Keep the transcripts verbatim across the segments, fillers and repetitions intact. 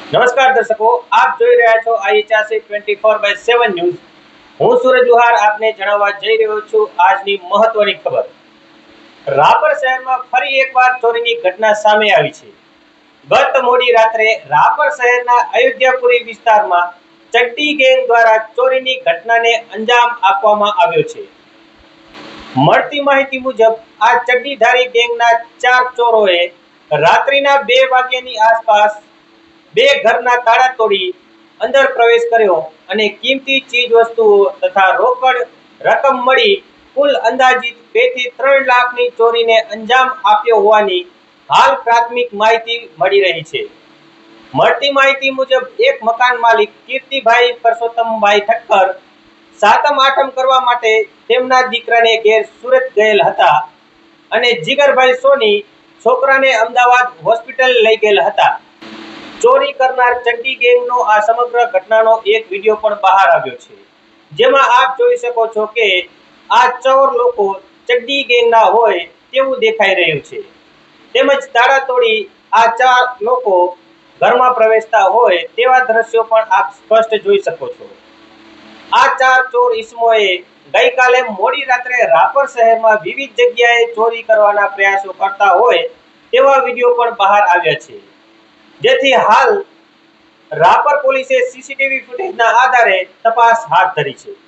નમસ્કાર દર્શકો, આપ જોઈ રહ્યા છો IHRC twenty four by seven news. હું સૂરજ ઉહાર આપને જણાવવા જઈ રહ્યો છું આજની મહત્વની ખબર. રાપર શહેરમાં ફરી એકવાર ચોરીની ઘટના સામે આવી છે. ગત મોડી રાત્રે રાપર શહેરના અયોધ્યાપુરી વિસ્તારમાં ચડ્ડી ગેંગ દ્વારા ચોરીની ઘટનાને અંજામ આપવામાં આવ્યો છે. મળતી માહિતી મુજબ આ ચડ્ડીધારી ગેંગના ચાર ચોરોએ રાત્રિના બે વાગ્યાની આસપાસ બે ઘરના તાળા તોડી અંદર પ્રવેશ કર્યો અને કિંમતી ચીજ વસ્તુઓ તથા રોકડ રકમ મળી કુલ અંદાજિત બે થી ત્રણ લાખની ચોરીને અંજામ આપ્યો હોવાની હાલ પ્રાથમિક માહિતી મળી રહી છે. મળતી માહિતી મુજબ એક મકાન માલિક કીર્તિભાઈ પરસોત્તમભાઈ ઠક્કર સાતમ આઠમ કરવા માટે તેમના દીકરાને ઘેર સુરત ગયેલ હતા અને જીગરભાઈ સોની છોકરાને અમદાવાદ હોસ્પિટલ લઈ ગયેલ હતા. ચોરી કરનાર ચડ્ડી ગેંગનો આ સમગ્ર ઘટનાનો એક વિડીયો પણ બહાર આવ્યો છે, જેમાં આપ જોઈ શકો છો કે આ ચોર લોકો ચડ્ડી ગેંગના હોય તેવું દેખાઈ રહ્યું છે. તેમજ તાળા તોડી આ ચાર લોકો ઘરમાં પ્રવેશતા હોય તેવા દ્રશ્યો પણ આપ સ્પષ્ટ જોઈ શકો છો. આ ચાર ચોર ઈસમોએ ગઈકાલે મોડી રાત્રે રાપર શહેરમાં વિવિધ જગ્યાએ ચોરી કરવાના પ્રયાસો કરતા હોય તેવા વિડીયો પણ બહાર આવ્યા છે, જેથી હાલ રાપર પોલીસે સીસીટીવી ફૂટેજના આધારે તપાસ હાથ ધરી છે.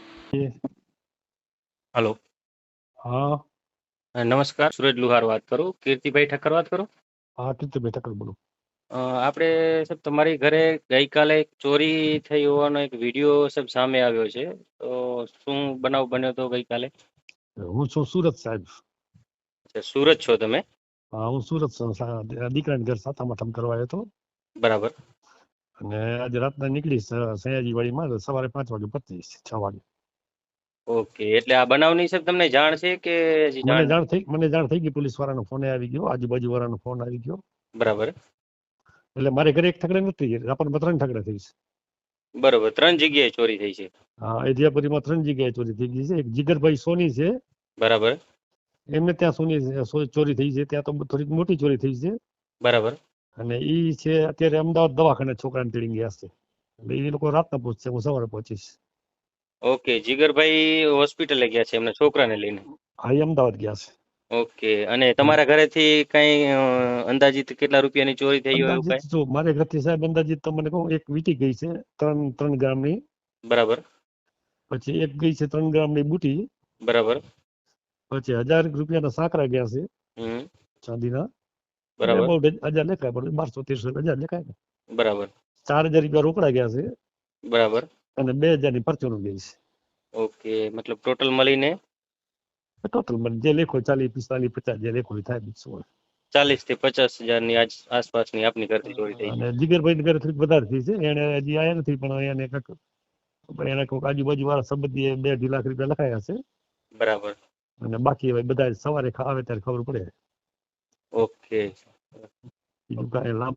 હેલો, હા નમસ્કાર. સુરજ લુહાર વાત કરું. કીર્તિભાઈ ઠક્કર વાત કરું. હા કીર્તિભાઈ ઠક્કર બોલું. અ, આપણે સાહેબ તમારી ઘરે ગઈકાલે એક ચોરી થઈ હોવાનો એક વિડીયો સાહેબ સામે આવ્યો છે, તો શું બનાવ બન્યો હતો ગઈકાલે? હું છું સુરત સાહેબ. અચ્છા, સુરત છો તમે? હા હું સુરત છું. સા- દીકરાને ઘર સાતમ આઠમ કરવા આવ્યો હતો બરાબર. અને આજે રાતના નીકળી સયાજી વાડીમાં સવારે પાંચ વાગે પચીસ છ વાગે. ઓકે, એટલે આ બનાવની સાહેબ તમને જાણ છે કે હજી મને જાણ? જાણ થઈ મને જાણ થઈ ગઈ, પોલીસ વાળાનો ફોન આવી ગયો, આજુબાજુ વાળાનો ફોન આવી ગયો. બરાબર એટલે મારે ઘરે એક ઠકડે નથી, રાપરમાં ત્રણ ઠકડે થઈ છે. બરોબર, ત્રણ જગ્યાએ ચોરી થઈ છે. હા અયોધ્યાપુરીમાં ત્રણ જગ્યાએ ચોરી થઈ ગઈ છે. એક જીગરભાઈ સોની છે, બરાબર એમને ત્યાં સોની સો- ચોરી થઈ છે, ત્યાં તો થોડીક મોટી ચોરી થઈ છે. બરાબર અને ઈ છે અત્યારે અમદાવાદ દવાખાને છોકરાને તેડી ગયા છે. એટલે એ લોકો રાતના પહોંચશે, હું સવારે પહોંચીશ. ઓકે, જીગરભાઈ હોસ્પિટલે ગયા છે એમના છોકરાને લઈને? હા એ અમદાવાદ ગયા છે. ઓકે, અને તમારા ઘરેથી કઈ અ, અંદાજિત કેટલા રૂપિયાની ચોરી થઈ હોય એવું અંદાજિત કઈ? જો મારે ઘરથી સાહેબ અંદાજિત તમને કહું, એક વીટી ગઈ છે ત્રણ ત્રણ ગ્રામની, બરાબર પછી એક ગઈ છે ત્રણ ગ્રામની બુટી, બરાબર પછી હજાર રૂપિયાના સાંકરા ગયા છે હમ ચાંદીના, એટલે બરાબર બહુ હજાર લેખાય, પણ બારસો તેરસો હજાર લેખાય ને. બરાબર ચાર હજાર રૂપિયા રોકડા ગયા છે બરાબર. અને બે હજારની પરચુરણ ગઈ છે. ઓકે, મતલબ ટોટલ મળીને ટોટલ મને જે લેખો ચાલીસ પિસ્તાલીસ પચાસ જે લેખો એ થાય બીજું શું. ચાલીસ થી પચાસ હજારની આજ આસપાસની આપની ઘરથી ચોરી થઈ છે. અને જીગરભાઈ ઘરે થોડીક વધારે થઈ છે, એને હજી આયા નથી, પણ એને કંઈક એને કોઈક આજુબાજુ વાળા સંબંધીએ બે અઢી લાખ રૂપિયા લખાયા છે. બરાબર. અને બાકી હવે બધા સવારે ખા- આવે ત્યારે ખબર પડે. ઓકે બીજું કાંઈ લાંબ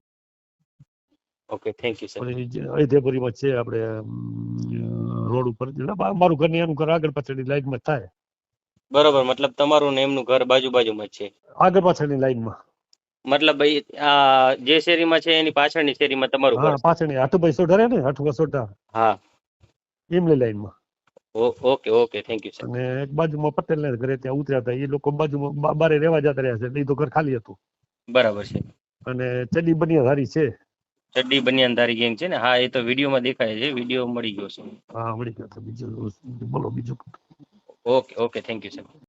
ઓકે, થેન્ક યુ સર. અયોધ્યાપુરીમાં છે આપણે રોડ ઉપર, એટલે મા- મારું ઘર ને એનું ઘર આગળ પાછળની લાઈનમાં જ થાય. બરોબર, મતલબ તમારું ને એમનું ઘર બાજુ બાજુમાં જ છે? આગળ પાછળની લાઈનમાં. મતલબ ઈ આ જે શેરીમાં છે એની પાછળની શેરીમાં તમારું ઘર હા છે? પાછળની હાથુભાઈ સોઢા રહે ને, હાથુભાઈ સોઢા હા. એમની લાઈનમાં. ઓ- okay okay, thank you sir. અને એક બાજુમાં પટેલને ઘરે ત્યાં ઉતર્યા હતા, એ લોકો બાજુમાં બા- બારે રહેવા જતા રહ્યા છે, એટલે એ તો ઘર ખાલી હતું. બરાબર છે. અને ચડી બનિયા ધારી છે. ચડ્ડી બનિયાનધારી ગેંગ છે ને? હા, એ તો વિડીયોમાં દેખાય છે, વિડીયો મળી ગયો છે. હા મળી ગયો. તો બીજું બોલો બીજું. Okay okay, thank you sir.